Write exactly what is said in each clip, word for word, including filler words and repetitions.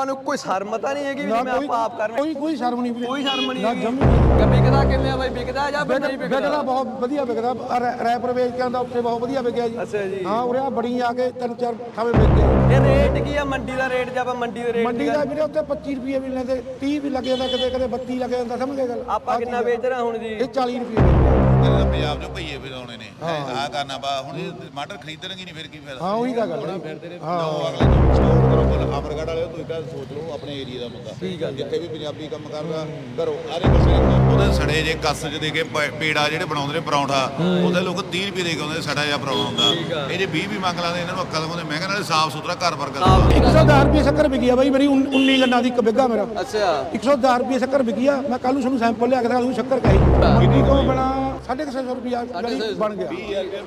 ਆਪਾਂ ਨੂੰ ਕੋਈ ਸ਼ਰਮ ਤਾਂ ਨਹੀਂ ਹੈਗੀ ਵੀ ਮੈਂ ਆਪਾਂ ਆਪ ਕਰ ਕੋਈ ਕੋਈ ਸ਼ਰਮ ਨਹੀਂ ਵੀਰੇ, ਕੋਈ ਸ਼ਰਮ ਨਹੀਂ ਨਾ ਹੈਗੀ। ਜਮੀ ਨਹੀਂ। ਵਿਕਦਾ ਕਿਵੇਂ ਆ ਬਾਈ, ਵਿਕਦਾ ਜਾਂ ਫਿਰ ਨਹੀਂ ਵਿਕਦਾ? ਵਿਕਦਾ ਬਹੁਤ ਵਧੀਆ ਵਿਕਦਾ, ਰੈ- ਰੈਪਰ ਵੇਚ ਕੇ ਆਉਂਦਾ ਉੱਥੇ ਬਹੁਤ ਵਧੀਆ ਵਿਕਿਆ ਜੀ। ਅੱਛਾ ਜੀ। ਹਾਂ ਉਰੇ ਆ ਬੜੀ ਆ ਕੇ ਤਿੰਨ ਚਾਰ ਥਾਵੇਂ ਵਿਕ ਗਿਆ। ਇਹ ਰੇਟ ਕੀ ਆ ਮੰਡੀ ਦਾ ਰੇਟ? ਜੇ ਆਪਾਂ ਮੰਡੀ ਦੇ ਰੇਟ ਮੰਡੀ ਦਾ ਵੀਰੇ ਉੱਤੇ ਪੱਚੀ ਰੁਪਏ ਵੀ ਲੈਂਦੇ, ਤੀਹ ਵੀ ਲੱਗ ਜਾਂਦਾ, ਕਦੇ ਕਦੇ ਬੱਤੀ ਲੱਗ ਜਾਂਦਾ, ਸਮਝ ਗਏ ਗੱਲ? ਆਪਾਂ ਕਿੰਨਾ ਵੇਚ ਰਹੇ ਹੁਣ ਜੀ? ਇਹ ਚਾਲੀ ਰੁਪਏ ਵੇਚਦੇ ਆ। ਪੰਜਾਬ ਚੋਂ ਭਈਏ ਵਜਾਉਣੇ ਨੇ ਆਹ ਕਰਨਾ ਬਾ ਹੁਣ ਇਹ ਟਮਾਟਰ ਖਰੀਦਣਗੇ ਨਹੀਂ ਫਿਰ ਕੀ ਫਾਇਦਾ। ਹਾਂ ਉਹੀ ਤਾਂ ਗੱਲ ਹੈ। ਲਓ ਅਗਲੇ ਨੂੰ ਸਟੋਰ ਕਰੋ ਬੋਲ ਅਮਰਗੜ੍ਹ ਵਾਲਿਓ ਤੁਸੀਂ ਤਾਂ ਸੋਚ ਲਓ ਆਪਣੇ ਏਰੀਆ ਦਾ ਬੰਦਾ ਠੀਕ ਆ। ਜਿੱਥੇ ਵੀ ਪੰਜਾਬੀ ਕੰਮ ਕਰਦਾ ਘਰੋਂ ਆਰੇ ਪਾਸੇ ਉਹਦੇ ਸੜੇ ਜੇ ਕੱਸ ਚ ਦੇ ਕੇ ਪ- ਪੇੜਾ ਜਿਹੜੇ ਬਣਾਉਂਦੇ ਨੇ ਪਰੌਂਠਾ ਉਹਦੇ ਲੋਕ ਤੀਹ ਰੁਪਏ ਦੇ ਕੇ ਆਉਂਦੇ ਸੜਾ ਜਿਹਾ ਪਰੌਂਠਾ ਹੁੰਦਾ। ਇਹ ਜੇ ਵੀਹ ਵੀ ਮੰਗ ਲਾਂਦੇ ਇਹਨਾਂ ਨੂੰ ਅੱਕਾ ਦਿਖਾਉਂਦੇ। ਮੈਂ ਕਹਿੰਦਾ ਸਾਫ ਸੁਥਰਾ ਘਰ ਵਰਗਾ ਇੱਕ ਸੌ ਦਸ ਰੁਪਏ ਸ਼ੱਕਰ ਵਿਕੀ ਆ ਬਾਈ ਮੇਰੀ, ਉੱਨੀ ਗੰਨਾ ਦੀ ਇੱਕ ਬਿੱਗਾ ਮੇਰਾ। ਅੱਛਾ ਇੱਕ ਸੌ ਦਸ ਰੁਪਏ ਸ਼ੱਕਰ ਵਿਕੀ ਆ। ਮੈਂ ਕੱਲ ਨੂੰ ਤੁਹਾਨੂੰ ਸੈਂਪਲ ਲਿਆ ਕੇ ਦਿਖਾ ਦੂੰ ਸ਼ੱਕਰ ਕਹੀ ਮੰਡੀ ਤੋਂ ਬਣਾ ਸਾਢੇ ਕੁ ਛੇ ਸੌ ਰੁਪਿਆ ਬਣ ਗਿਆ।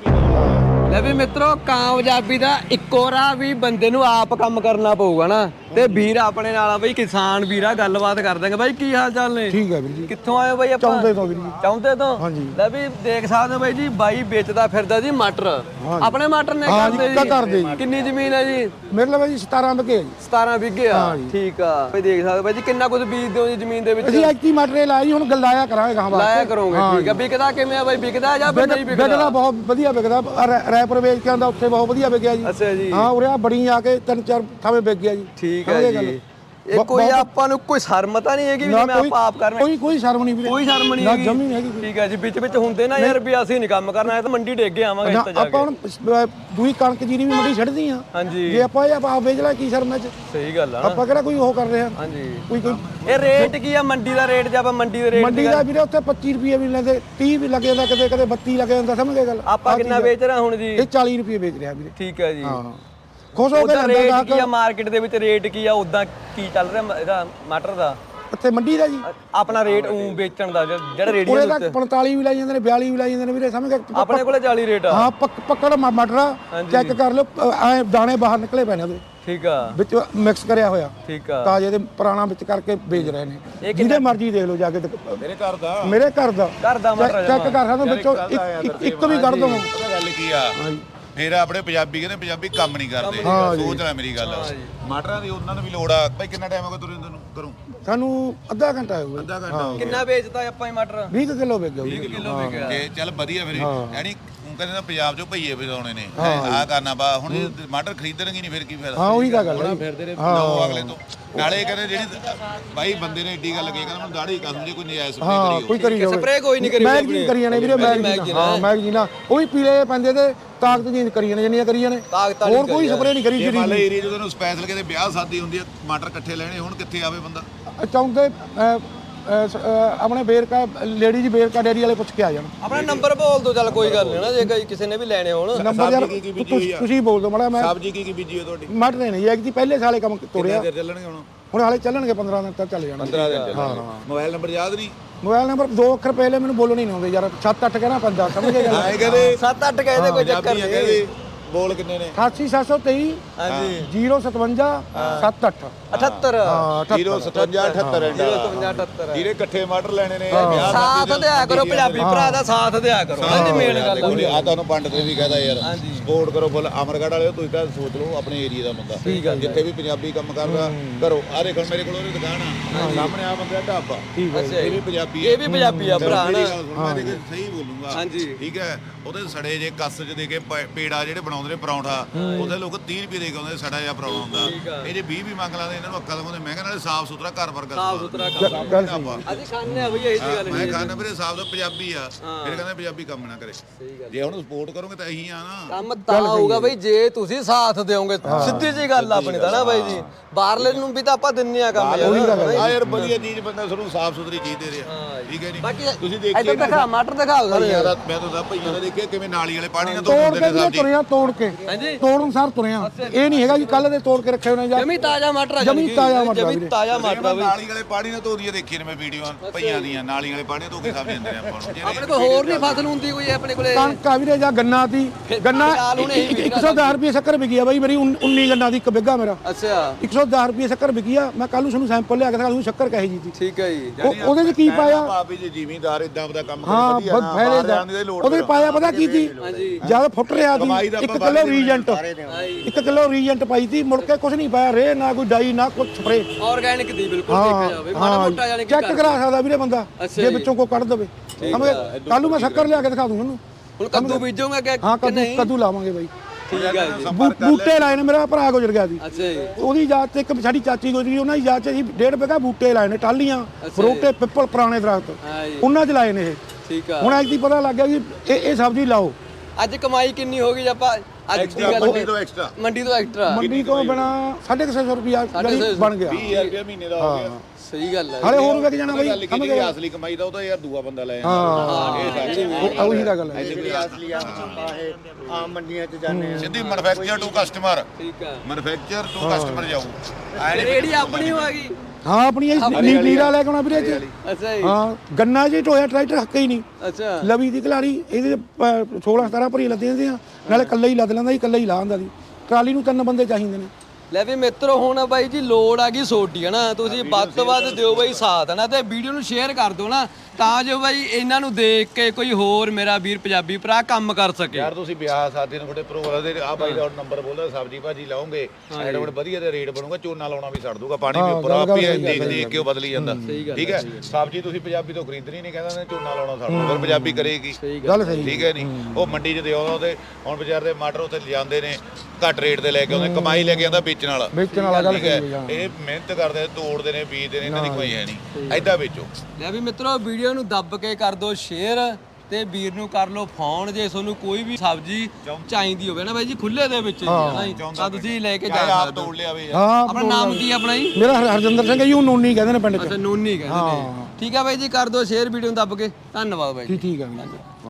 ਲੈ ਵੀ ਮਿੱਤਰੋ, ਕਾਮਯਾਬੀ ਦਾ ਇੱਕੋ ਰਾਹ ਵੀ ਬੰਦੇ ਨੂੰ ਆਪ ਕੰਮ ਕਰਨਾ ਪਊਗਾ ਨਾ। ਤੇ ਵੀਰ ਆਪਣੇ ਨਾਲ ਆ ਬਈ, ਕਿਸਾਨ ਵੀਰਾ, ਗੱਲਬਾਤ ਕਰ ਦਾਂਗੇ। ਬਾਈ ਕੀ ਹਾਲ ਚਾਲ ਨੇ? ਠੀਕ ਹੈ ਵੀਰ ਜੀ। ਕਿੱਥੋਂ ਆਏ ਹੋ ਬਾਈ ਆਪਾਂ? ਚੌਂਦੇ ਤੋਂ ਵੀਰ ਜੀ। ਚੌਂਦੇ ਤੋਂ? ਹਾਂਜੀ। ਲੈ ਵੀ ਦੇਖ ਸਕਦੇ ਹੋ ਬਾਈ ਜੀ, ਬਾਈ ਵੇਚਦਾ ਫਿਰਦਾ ਜੀ ਮਟਰ। ਆਪਣੇ ਮਟਰ ਨੇ ਹਾਂ ਜੀ, ਕਰਦੇ ਕਰਦੇ ਜੀ। ਕਿੰਨੀ ਜ਼ਮੀਨ ਹੈ ਜੀ? ਮੇਰੇ ਲਈ ਬਾਈ ਸਤਾਰਾਂ ਵਿਗੇ ਜੀ। ਸਤਾਰਾਂ ਵਿਗੇ ਆ। ਹਾਂ ਜੀ। ਠੀਕ ਆ ਬਾਈ, ਦੇਖ ਸਕਦੇ ਹੋ ਬਾਈ ਜੀ ਕਿੰਨਾ ਕੁਝ ਬੀਜਦੇ ਹੋ ਜੀ ਜ਼ਮੀਨ ਦੇ ਵਿੱਚ? ਅਸੀਂ ਐਕਟੀ ਮਟਰੇ ਲਾਇਆ ਜੀ, ਹੁਣ ਗੱਲਾਇਆ ਕਰਾਂਗੇ ਗਾਂ ਵਾਸਤੇ। ਲਾਇਆ ਕਰੋਗੇ। ਠੀਕ ਆ। ਵਿਕਦਾ ਕਿਵੇਂ ਆ ਬਾਈ, ਵਿਕਦਾ ਜਾਂ ਫਿਰ ਨਹੀਂ ਵਿਕਦਾ? ਵਿਕਦਾ ਬਹੁਤ ਵਧੀਆ ਵਿਕਦਾ, ਰੈ- ਰੈਪਰ ਵੇਚ ਕੇ ਆਉਂਦਾ ਉੱਥੇ ਬਹੁਤ ਵਧੀਆ ਵਿਕਿਆ ਜੀ। ਅੱਛਾ ਜੀ। ਹਾਂ ਉਰੇ ਆ ਬੜੀ ਆ ਕੇ ਤਿੰਨ ਚਾਰ ਥਾਵੇਂ ਵਿਕ ਗਿਆ ਜੀ। ਠੀਕ ਸਮਝ ਹੈ ਗਏ ਗੱਲ? ਜੀ। ਇਹ ਕੋਈ ਆਪਾਂ ਨੂੰ ਕੋਈ ਸ਼ਰਮ ਤਾਂ ਨਹੀਂ ਹੈਗੀ ਵੀ ਨਾ ਮੈਂ ਕੋਈ ਆਪਾਂ ਆਪ ਕਰਨਾ? ਕੋਈ ਕੋਈ ਸ਼ਰਮ ਨਹੀਂ ਵੀਰੇ, ਕੋਈ ਸ਼ਰਮ ਨਹੀਂ ਨਾ ਹੈਗੀ। ਜਮੀ ਨਹੀਂ ਹੈਗੀ। ਠੀਕ ਹੈ ਜੀ। ਵਿੱਚ ਵਿੱਚ ਹੁੰਦੇ ਨਾ ਯਾਰ ਵੀ ਅਸੀਂ ਨਹੀਂ ਕੰਮ ਕਰਨਾ, ਇਹ ਤਾਂ ਮੰਡੀ ਡੇਗ ਕੇ ਆਵਾਂਗੇ ਨਾ ਇੱਥੇ ਜਾ ਆਪਾਂ ਕੇ। ਹੁਣ ਦੂਈ ਕਣਕ ਜੀਰੀ ਵੀ ਮੰਡੀ ਛੱਡਦੀ ਆ। ਹਾਂਜੀ ਜੇ ਆਪਾਂ ਇਹ ਆਪ ਵੇਚ ਲੈ ਕੀ ਸ਼ਰਮ ਹੈ ਚ? ਸਹੀ ਗੱਲ ਆ ਨਾ। ਆਪਾਂ ਕਿਹੜਾ ਕੋਈ ਉਹ ਕਰ ਰਹੇ ਆ? ਹਾਂਜੀ। ਕੋਈ ਕੋਈ ਇਹ ਰੇਟ ਕੀ ਆ ਮੰਡੀ ਦਾ ਰੇਟ? ਜੇ ਆਪਾਂ ਮੰਡੀ ਦੇ ਰੇਟ ਮੰਡੀ ਦਾ ਵੀਰੇ ਉੱਥੇ ਪੱਚੀ ਰੁਪਏ ਵੀ ਲੈਂਦੇ, ਤੀਹ ਵੀ ਲੱਗ ਜਾਂਦਾ, ਕਦੇ ਕਦੇ ਬੱਤੀ ਲੱਗ ਜਾਂਦਾ, ਸਮਝ ਗਏ ਗੱਲ? ਆਪਾਂ ਕਿੰਨਾ ਵੇਚ ਰਹੇ ਹੁਣ ਜੀ? ਇਹ ਚਾਲੀ ਰੁਪਏ ਵੇਚ ਰਿਹਾ ਵੀਰੇ। ਠੀਕ ਹੈ ਜੀ। ਹਾਂ ਖੁਸ਼ ਹੋ ਕੇ ਉਹਦਾ ਲੈਂਦਾ ਰੇਟ ਗਾਹਕ। ਕੀ ਆ ਮਾਰਕੀਟ ਦੇ ਵਿੱਚ? ਰੇਟ ਕੀ ਆ ਉਦਾਂ ਕੀ ਚੱਲ ਰਿਹਾ ਮ- ਇਹਦਾ ਮਟਰ ਦਾ ਇੱਥੇ ਮੰਡੀ ਦਾ ਜੀ ਆਪਣਾ ਰੇਟ ਉਂ ਵੇਚਣ ਦਾ ਜਿਹੜਾ ਉਹਦੇ ਰੇਡੀਓ ਦੇ ਤੱਕ ਉੱਤੇ? ਪੰਤਾਲੀ ਵੀ ਲਾਈ ਜਾਂਦੇ ਨੇ, ਬਿਆਲੀ ਵੀ ਲਾਈ ਜਾਂਦੇ ਨੇ ਵੀਰੇ, ਸਮਝ ਗਏ? ਆਪਣੇ ਕੋਲੇ ਚਾਲੀ ਰੇਟ ਆ। ਹਾਂ ਪੱਕ- ਪੱਕੜ ਮ- ਮਟਰ ਚੈੱਕ ਕਰ ਲਓ, ਐ ਦਾਣੇ ਬਾਹਰ ਨਿਕਲੇ ਪਏ ਨੇ ਉਹਦੇ ਠੀਕ ਆ। ਵਿੱਚ ਮਿਕਸ ਕਰਿਆ ਹੋਇਆ ਠੀਕ ਆ। ਤਾਜ਼ੇ ਦੇ ਪੁਰਾਣਾ ਵਿੱਚ ਕਰਕੇ ਵੇਚ ਰਹੇ ਨੇ। ਜਿਹਦੇ ਮਰਜ਼ੀ ਦੇਖ ਲਓ ਜਾ ਕੇ। ਮੇਰੇ ਘਰ ਦਾ ਮੇਰੇ ਘਰ ਦਾ ਘਰ ਦਾ ਮਟਰ ਚੈੱਕ ਕਰ ਸਕਦੇ ਵਿੱਚੋਂ ਇੱਕ- ਇੱਕ ਇੱਕ ਵੀ ਕੱਢ ਦਵਾਂ। ਪਤਾ ਗੱਲ ਕੀ ਆ ਫਿਰ ਆਪਣੇ ਪੰਜਾਬੀ ਕਹਿੰਦੇ ਪੰਜਾਬੀ ਕੰਮ ਨਹੀਂ ਕਰਦੇ। ਸੋਚ ਲੈ ਮੇਰੀ ਗੱਲ ਮਟਰਾਂ ਦੀ ਉਹਨਾਂ ਨੂੰ ਵੀ ਲੋੜ ਆ। ਭਾਈ ਕਿੰਨਾ ਟਾਈਮ ਹੋ ਗਿਆ ਤੁਰੇ ਤੈਨੂੰ ਕਰੂੰ? ਸਾਨੂੰ ਅੱਧਾ ਘੰਟਾ ਹੋਊਗਾ। ਅੱਧਾ ਘੰਟਾ ਹੋ ਗਿਆ। ਕਿੰਨਾ ਵੇਚਦਾ ਆਪਾਂ ਇਹ ਮਟਰ? ਵੀਹ ਕਿਲੋ ਵਿਕ ਗਿਆ ਵੀਹ ਕਿਲੋ ਵਿਕਿਆ। ਤੇ ਚੱਲ ਵਧੀਆ ਫਿਰ ਯਾਨੀ ਉਹ ਕਹਿੰਦੇ ਨਾ ਪੰਜਾਬ ਚੋਂ ਭਈਏ ਵਜਾਉਣੇ ਨੇ ਆਹ ਕਰਨਾ ਬਾ ਹੁਣ ਇਹ ਟਮਾਟਰ ਖਰੀਦਣਗੇ ਨਹੀਂ ਫਿਰ ਕੀ ਫਾਇਦਾ। ਹਾਂ ਉਹੀ ਤਾਂ ਗੱਲ ਹੈ। ਲਓ ਅਗਲੇ ਤੋਂ ਨਾਲੇ ਕਹਿੰਦੇ ਜਿਹੜੀ ਬਾਈ ਬੰਦੇ ਨੇ ਏਡੀ ਗੱਲ ਕਹੀ ਕਹਿੰਦਾ ਮੈਨੂੰ ਦਾੜੀ ਕਸਮ ਜੇ ਕੋਈ ਨਜਾਇਜ਼ ਹਾਂ ਸਪਰੇ ਕੋਈ ਕਰੀ ਕਰੀ ਜਾਵੇ। ਸਪਰੇ ਕੋਈ ਨਹੀਂ ਕਰੀ ਮੈਗਜ਼ੀਨ ਕਰੀ ਜਾਣੇ ਵੀਰੇ, ਮੈਗਜ਼ੀਨ। ਹਾਂ ਮੈਗਜ਼ੀਨ ਆ ਉਹ ਵੀ ਪੀਲੇ ਪੈਂਦੇ ਤੇ ਤਾਕਤ ਚੇਂਜ ਕਰੀ ਜਾਣੇ ਜਿੰਨੀਆਂ ਕਰੀ ਜਾਣੇ। ਹੋਰ ਕੋਈ ਸਪਰੇ ਨਹੀਂ ਕਰੀ ਜੇ ਜਿਹੜੀ ਮੰਨ ਲੈ ਏਰੀਆ ਜਦੋਂ ਸਪੈਸ਼ਲ ਕਿਤੇ ਵਿਆਹ ਸ਼ਾਦੀ ਹੁੰਦੀ ਹੈ ਟਮਾਟਰ ਇਕੱਠੇ ਲੈਣੇ ਹੁਣ ਕਿੱਥੇ ਆਵੇ ਬੰਦਾ। ਚੌਂਦੇ ਆਪਣੇ ਬੇਰਕਾ ਲੇਡੀਜ਼ ਬੇਰਕਾ ਡੇਰੀ ਵਾਲੇ ਪੁੱਛ ਕੇ ਆ ਜਾਣ। ਆਪਣਾ ਨੰਬਰ ਬੋਲ ਦੋ, ਚੱਲ ਕੋਈ ਗੱਲ ਨਹੀਂ ਨਾ, ਜੇ ਕੋਈ ਕਿਸੇ ਨੇ ਵੀ ਲੈਣੇ ਹੋਣ। ਨੰਬਰ ਯਾਰ ਕੀ ਕੀ ਬੀਜੀ ਹੋਈ ਆ? ਤੁਸੀਂ ਬੋਲ ਦਿਓ ਮਾੜਾ। ਮੈਂ ਸਬਜ਼ੀ ਕੀ ਕੀ ਬੀਜੀ ਹੋ ਤੁਹਾਡੀ? ਮਟਰ ਨਹੀਂ ਇੱਕ ਜੀ ਪਹਿਲੇ ਸਾਲੇ ਕੰਮ ਤੋੜਿਆ, ਕਿੰਨੇ ਚੱਲਣਗੇ ਹੁਣ? ਹੁਣ ਹਾਲੇ ਚੱਲਣਗੇ ਪੰਦਰਾਂ ਦਿਨ ਤੱਕ ਚੱਲ ਜਾਣਾ। ਪੰਦਰਾਂ ਦਿਨ ਚੱਲਣਗੇ। ਮੋਬਾਈਲ ਨੰਬਰ ਯਾਦ ਨਹੀਂ? ਮੋਬਾਈਲ ਨੰਬਰ ਦੋ ਅੱਖਰ ਪਹਿਲੇ ਮੈਨੂੰ ਬੋਲਣੇ ਨਹੀਂ ਆਉਂਦੇ ਯਾਰ, ਸੱਤ ਅੱਠ ਕਹਿਣਾ ਪੈਂਦਾ, ਸਮਝ ਗਏ ਗੱਲ? ਆਏ ਕਹਿੰਦੇ ਸੱਤ ਅੱਠ ਕਹਿੰਦੇ ਕੋਈ ਚੱਕਰ ਪੰਜਾਬੀ ਆ ਨਹੀਂ। ਕਹਿੰਦੇ ਬੋਲ ਕਿੰਨੇ ਨੇ? ਅਠਾਸੀ ਸੱਤ ਸੌ ਤੇਈ ਹਾਂਜੀ ਜ਼ੀਰੋ ਸਤਵੰਜਾ ਸੱਤ ਅੱਠ। ਅਠੱਤਰ ਜ਼ੀਰੋ ਸਤਵੰਜਾ ਅਠੱਤਰ ਅਠੱਤਰ ਜਿਹੜੇ ਇਕੱਠੇ ਮਟਰ ਲੈਣੇ ਨੇ ਸਾਥ ਦਿਆ ਕਰੋ, ਪੰਜਾਬੀ ਭਰਾ ਦਾ ਸਾਥ ਦਿਆ ਕਰੋ। ਹਾਂਜੀ ਮੇਨ ਗੱਲ ਆ। ਆ ਤੁਹਾਨੂੰ ਪੰਡਤ ਨੇ ਵੀ ਕਹਦਾ ਯਾਰ ਸਪੋਰਟ ਕਰੋ ਫੁੱਲ ਅਮਰਗੜ੍ਹ ਵਾਲਿਓ ਤੁਸੀਂ ਤਾਂ ਸੋਚ ਲਓ ਆਪਣੇ ਏਰੀਆ ਦਾ ਬੰਦਾ ਜਿੱਥੇ ਵੀ ਪੰਜਾਬੀ ਕੰਮ ਕਰਦਾ ਘਰੋਂ ਆ ਦੇਖੋ ਮੇਰੇ ਕੋਲ ਉਹਦੀ ਦੁਕਾਨ ਆ ਸਾਹਮਣੇ ਆ ਬੰਦਾ ਢਾਬਾ ਇਹ ਵੀ ਪੰਜਾਬੀ ਇਹ ਵੀ ਪੰਜਾਬੀ ਆ ਭਰਾ ਨਾ। ਮੈਂ ਦੇਖ ਸਹੀ ਬੋਲੂੰਗਾ ਹਾਂਜੀ ਠੀਕ ਹੈ। ਉਹਦੇ ਸੜੇ ਜੇ ਕੱਸ ਚ ਦੇ ਕੇ ਪ- ਪੇੜਾ ਜਿਹੜੇ ਬਣਾਉਂਦੇ ਨੇ ਪਰੌਂਠਾ ਉਹਦੇ ਲੋਕ ਤੀਹ ਰੁਪਏ ਦੇ ਕੇ ਆਉਂਦੇ ਸੜਾ ਜਿਹਾ ਪਰੌਂਠਾ ਹੁੰਦਾ। ਇਹ ਜੇ ਵੀਹ ਵੀ ਮੰਗ ਲਾਂਦੇ ਇਹਨਾਂ ਨੂੰ ਅੱਕਾ ਦਿਖਾਉਂਦੇ। ਮੈਂ ਕਹਿੰਦਾ ਸਾਫ ਸੁਥਰਾ ਘਰ ਵਰਗਾ ਸਾਫ ਸੁਥਰਾ ਕੰਮ ਗੱਲ ਸਹੀ। ਅਸੀਂ ਖਾਣੇ ਆ ਬਈ, ਇਹੀ ਜੀ ਗੱਲ ਮੈਂ ਨਹੀਂ। ਖਾਣਾ ਵੀਰੇ ਸਾਫ ਦਾ ਪੰਜਾਬੀ ਆ ਫਿਰ ਕਹਿੰਦੇ ਪੰਜਾਬੀ ਕੰਮ ਨਾ ਕਰੇ। ਜੇ ਹੁਣ ਸਪੋਰਟ ਕਰੋਗੇ ਤਾਂ ਇਹੀ ਆ ਨਾ ਕੰਮ ਤਾਂ ਹੋਊਗਾ ਬਈ ਜੇ ਤੁਸੀਂ ਸਾਥ ਦਿਓਗੇ। ਸਿੱਧੀ ਜੀ ਗੱਲ ਆਪਣੀ ਤਾਂ ਨਾ ਬਾਈ ਜੀ, ਬਾਹਰਲੇ ਨੂੰ ਵੀ ਤਾਂ ਆਪਾਂ ਦਿੰਨੇ ਆ ਕੰਮ ਯਾਰ। ਆ ਯਾਰ ਵਧੀਆ ਚੀਜ਼ ਬੰਦਾ ਤੁਹਾਨੂੰ ਸਾਫ ਸੁਥਰੀ ਚੀਜ਼ ਦੇ ਰਿਹਾ ਠੀਕ ਹੈ ਬਾਕੀ ਨਹੀਂ? ਤੁਸੀਂ ਇੱਧਰ ਦੇਖੀਏ ਦਿਖਾ ਮਟਰ ਦਿਖਾਓ ਸਾਰੇ ਭਈਆਂ ਦਾ ਮੈਂ ਤਾਂ ਭਈਆਂ ਦਾ ਦੇਖਿਆ ਕਿਵੇਂ ਨਾਲੀ ਵਾਲੇ ਪਾਣੀ ਨਾਲ ਧੋ ਤੋੜ ਦਿੰਦੇ ਕੇ ਨੇ ਵੀਰੇ ਸਬਜ਼ੀ। ਤੁਰਿਆ, ਤੋੜ ਕੇ ਹਾਂਜੀ ਤੋੜਨ ਸਾਰ ਤੁਰਿਆ। ਇਹ ਨਹੀਂ ਹੈਗਾ ਜੀ ਕੱਲ ਦੇ ਤੋੜ ਕੇ ਰੱਖੇ ਹੋਣੇ ਜਾਂ ਜਮੀ ਤਾਜ਼ਾ ਮਟਰ ਆ। ਜਮੀ ਤਾਜ਼ਾ ਮਟਰ ਆ ਜਮੀ ਵੀਰੇ। ਤਾਜ਼ਾ ਮਟਰ ਆ ਬਈ। ਨਾਲੀ ਵਾਲੇ ਪਾਣੀ ਨਾਲ ਧੋਦੀਆਂ ਦੇਖੀਆਂ ਨੇ ਮੈਂ ਵੀਡੀਓ ਭਈਆਂ ਦੀਆਂ ਨਾਲੀ ਵਾਲੇ ਪਾਣੀ ਨਾਲ ਧੋ ਕੇ ਸਬਜ਼ੀ ਦਿੰਦੇ ਨੇ ਆਪਾਂ ਨੂੰ। ਆਪਣੇ ਕੋਲ ਹੋਰ ਨਹੀਂ ਫਸਲ ਹੁੰਦੀ ਕੋਈ ਆਪਣੇ ਕੋਲੇ? ਕਣਕ ਆ ਵੀਰੇ ਜਾਂ ਗੰਨਾ ਦੀ ਗੰਨਾ ਫਿਲਹਾਲ ਹੁਣ ਇਹੀ ਇੱਕ ਸੌ ਦਸ ਰੁਪਏ ਸ਼ੱਕਰ ਵਿਕੀ ਆ ਬਾਈ ਮੇਰੀ, ਉੱਨੀ ਗੰਨਾ ਦੀ ਇੱਕ ਬਿੱਗਾ ਮੇਰਾ। ਅੱਛਾ ਇੱਕ ਸੌ ਦਸ ਰੁਪਏ ਸ਼ੱਕਰ ਵਿਕੀ ਆ। ਮੈਂ ਕੱਲ ਨੂੰ ਤੁਹਾਨੂੰ ਸੈਂਪਲ ਲਿਆ ਕੇ ਦਿਖਾ ਦੂੰ ਸ਼ੱਕਰ ਕਹੇ ਜੀ ਦੀ। ਠੀਕ ਹੈ ਜੀ। ਉਹ- ਉਹਦੇ ਚ ਕੀ ਪਾਇਆ? ਭਾਵੇਂ ਜੇ ਜ਼ਿਮੀਂਦਾਰ ਇਦਾਂ ਦਾ ਕੰਮ ਹਾਂ ਕਰੇ ਵਧੀਆ ਨਾ ਫਾਇਦੇ ਬਾਹਰ ਦਾ ਜਾਣ ਦੀ ਲੋੜ ਉਹਦੇ ਪਾਇਆ ਪਤਾ ਕੀ ਸੀ? ਜਦ ਫੁੱਟ ਰਿਹਾ ਕਮਾਈ ਸੀ ਦਾ ਇੱਕ ਕਿਲੋ ਰੀਜੈਂਟ ਇੱਕ ਕਿਲੋ ਰੀਜੈਂਟ ਪਾਈ ਤੀ, ਮੁੜ ਕੇ ਕੁਝ ਨਹੀਂ ਪਾਇਆ, ਰੇ ਨਾ ਕੋਈ ਡਾਈ ਨਾ ਕੁਝ ਸਪਰੇ, ਆਰਗੈਨਿਕ ਦੀ ਬਿਲਕੁਲ ਦੇਖਿਆ ਜਾਵੇ, ਮਾੜਾ ਮੋਟਾ ਜਾਨੀ ਕਿ ਚੈੱਕ ਕਰਾ ਸਕਦਾ ਵੀਰੇ ਬੰਦਾ ਜੇ ਵਿੱਚੋਂ ਕੋਈ ਕੱਢ ਦੇਵੇ। ਕੱਲ ਨੂੰ ਮੈਂ ਸ਼ੱਕਰ ਲਿਆ ਕੇ ਦਿਖਾ ਦੂੰ ਤੁਹਾਨੂੰ। ਹੁਣ ਕੱਦੂ ਬੀਜੋਗੇ ਕਿ ਹਾਂ ਕੱਦੂ ਕੱਦੂ ਲਾਵਾਂਗੇ ਬਾਈ। ਠੀਕ ਹੈ ਜੀ। ਬੂ- ਬੂਟੇ ਲਾਏ ਨੇ, ਮੇਰਾ ਭਰਾ ਗੁਜ਼ਰ ਗਿਆ ਸੀ, ਅੱਛਾ ਜੀ। ਉਹਦੀ ਯਾਦ ਤੇ ਇੱਕ ਸਾਡੀ ਚਾਚੀ ਗੁਜ਼ਰੀ, ਉਹਨਾਂ ਦੀ ਯਾਦ 'ਚ ਅਸੀਂ ਡੇਢ ਵਿਗਾ ਬੂਟੇ ਲਾਏ ਨੇ, ਟਾਹਲੀਆਂ ਫਰੂਟੇ ਪਿੱਪਲ ਪੁਰਾਣੇ ਦਰਖਤ ਹਾਂ ਜੀ। ਉਹਨਾਂ 'ਚ ਲਾਏ ਨੇ ਇਹ। ਠੀਕ ਆ। ਹੁਣ ਐਤਕੀ ਪਤਾ ਲੱਗ ਗਿਆ ਵੀ ਇਹ ਇਹ ਸਬਜ਼ੀ ਲਾਓ। ਅੱਜ ਕਮਾਈ ਕਿੰਨੀ ਹੋ ਗਈ ਜੇ ਆਪਾਂ ਅੱਜ ਦੀ ਗੱਲ ਮੰਡੀ ਤੋਂ ਐਕਸਟਰਾ ਮੰਡੀ ਤੋਂ ਐਕਸਟਰਾ ਮੰਡੀ ਤੋਂ ਬਿਨਾ ਸਾਢੇ ਕੁ ਛੇ ਸੌ ਰੁਪਿਆ ਬਣ ਗਿਆ। ਵੀਹ ਹਜ਼ਾਰ ਰੁਪਏ ਮਹੀਨੇ ਦਾ ਹੋ ਗਿਆ। ਸਹੀ ਗੱਲ ਹੈ। ਹਾਲੇ ਹੋਰ ਵਿਕ ਜਾਣਾ ਬਾਈ, ਗੱਲ ਕੀ ਜਿਹੜੀ ਅਸਲੀ ਕਮਾਈ ਦਾ ਉਹ ਤਾਂ ਯਾਰ ਦੂਆ ਬੰਦਾ ਲੈ ਹਾਂ ਜਾਂਦਾ। ਉਹੀ ਤਾਂ ਗੱਲ ਹੈ। ਅਸਲੀ ਆਮ ਆਮ ਮੰਡੀਆਂ 'ਚ ਜਾਂਦੇ ਆ, ਸਿੱਧੀ ਮੈਨੂਫੈਕਚਰ ਟੂ ਕਸਟਮਰ, ਠੀਕ ਆ। ਮੈਨੂਫੈਕਚਰ ਟੂ ਕਸਟਮਰ ਜਾਊ। ਰੇੜੀ ਆਪਣੀ ਹੋ ਗਈ। ਹਾਂ ਆਪਣੀ ਇਹ ਨੀਰਾ ਲੈ ਕੇ ਆਉਣਾ ਵੀਰੇ ਜੀ। ਅੱਛਾ ਜੀ। ਹਾਂ ਗੰਨਾ ਜੀ ਟੋਇਆ ਟਰੈਕਟਰ ਹੱਕੇ ਹੀ ਨਹੀਂ, ਅੱਛਾ ਲਵੀ ਦੀ ਘਲਾੜੀ ਇਹਦੇ ਸੋਲਾਂ ਸਤਾਰਾਂ ਭਰੀ ਲੱਦੇ ਹੁੰਦੇ ਆ, ਨਾਲੇ ਕੱਲਾ ਹੀ ਲੱਦ ਲੈਂਦਾ ਸੀ, ਕੱਲਾ ਹੀ ਲਾ ਹੁੰਦਾ ਸੀ। ਟਰਾਲੀ ਨੂੰ ਤਿੰਨ ਬੰਦੇ ਚਾਹੀਦੇ ਨੇ। ਲੈ ਵੀ ਮਿੱਤਰੋ ਹੁਣ ਬਾਈ ਜੀ ਲੋੜ ਆ ਗਈ ਸੋਡੀ ਹੈ ਨਾ, ਤੁਸੀਂ ਵੱਧ ਤੋਂ ਵੱਧ ਦਿਓ ਬਾਈ ਸਾਥ ਹੈ ਨਾ, ਤੇ ਵੀਡੀਓ ਨੂੰ ਸ਼ੇਅਰ ਕਰ ਦਿਓ ਨਾ, ਤਾਂ ਜੋ ਬਾਈ ਇਹਨਾਂ ਨੂੰ ਦੇਖ ਕੇ ਕੋਈ ਹੋਰ ਮੇਰਾ ਵੀਰ ਪੰਜਾਬੀ ਭਰਾ ਕੰਮ ਕਰ ਸਕੇ। ਯਾਰ ਤੁਸੀਂ ਵਿਆਹ ਸ਼ਾਦੀ ਨੂੰ ਤੁਹਾਡੇ ਪ੍ਰੋਗਰਾਮ ਦੇ ਆ ਬਾਈ ਦਾ ਨੰਬਰ ਬੋਲਦਾ, ਸਬਜ਼ੀ ਭਾਜੀ ਲਾਉਂਗੇ ਐਡਵਰਟ ਵਧੀਆ ਤੇ ਰੇਟ ਬਣੂਗਾ, ਝੋਨਾ ਲਾਉਣਾ ਵੀ ਛੱਡ ਦੂਗਾ, ਪਾਣੀ ਵੀ ਉੱਪਰ ਆਪੀ ਦੇਖ ਦੇਖ ਕੇ ਉਹ ਬਦਲੀ ਜਾਂਦਾ। ਠੀਕ ਹੈ, ਸਬਜ਼ੀ ਤੁਸੀਂ ਪੰਜਾਬੀ ਤੋਂ ਖਰੀਦਣੀ ਨਹੀਂ, ਕਹਿੰਦਾ ਝੋਨਾ ਲਾਉਣਾ ਛੱਡ ਦੂਗਾ, ਫਿਰ ਪੰਜਾਬੀ ਕਰੇਗੀ। ਗੱਲ ਸਹੀ। ਠੀਕ ਹੈ ਨਹੀਂ, ਉਹ ਮੰਡੀ 'ਚ ਦਿਓ ਉਹਦੇ, ਹੁਣ ਬਾਜ਼ਾਰ ਦੇ ਮਟਰ ਉੱਥੇ ਲਿਜਾਂਦੇ ਨੇ ਘੱਟ ਰੇਟ ਤੇ ਲੈ ਕੇ ਆਉਂਦੇ, ਕਮਾਈ ਲੈ ਕੇ ਆਉਂਦਾ ਵੇਚਣ ਵਾਲਾ। ਵੇਚਣ ਵਾਲਾ ਗੱਲ ਠੀਕ ਹੈ, ਸਹੀ ਹੈ। ਇਹ ਮਿਹਨਤ ਕਰਦੇ ਤੋੜਦੇ ਨੇ, ਬੀਜਦੇ ਨੇ, ਇਹਨਾਂ ਦੀ ਕੋਈ ਹੈ ਨਹੀਂ, ਐਦਾਂ ਵੇਚੋ। ਲੈ ਵੀ ਮਿੱਤਰੋ ਵੀਡੀਓ ਨੂੰ ਦੱਬ ਕੇ ਕਰ ਦਿਓ ਸ਼ੇਅਰ, ਤੇ ਵੀਰ ਨੂੰ ਕਰ ਲਓ ਫੋਨ ਜੇ ਤੁਹਾਨੂੰ ਕੋਈ ਵੀ ਸਬਜ਼ੀ ਚਾਹੀਦੀ ਹੋਵੇ ਨਾ ਬਾਈ ਜੀ, ਖੁੱਲੇ ਦੇ ਵਿੱਚ ਜੀ ਹਨਾ ਜੀ, ਤਾਂ ਤੁਸੀਂ ਲੈ ਕੇ ਜਾ ਆਪ ਸਕਦੇ ਹੋ। ਤੋੜ ਲਿਆ ਵੇ। ਹਾਂ ਆਪਣਾ ਨਾਮ ਕੀ ਆਪਣਾ ਜੀ? ਮੇਰਾ ਹਰ- ਹਰਜਿੰਦਰ ਸਿੰਘ ਹੈ ਜੀ, ਉਹ ਨੋਨੀ ਕਹਿੰਦੇ ਨੇ ਪਿੰਡ 'ਚ। ਅੱਛਾ ਨੂਨੀ ਕਹਿੰਦੇ ਨੇ। ਠੀਕ ਆ ਬਾਈ ਜੀ, ਕਰ ਦਿਓ ਸ਼ੇਅਰ ਵੀਡੀਓ ਨੂੰ ਦੱਬ ਕੇ। ਧੰਨਵਾਦ ਬਾਈ ਜੀ। ਠੀਕ ਠੀਕ ਹੈ।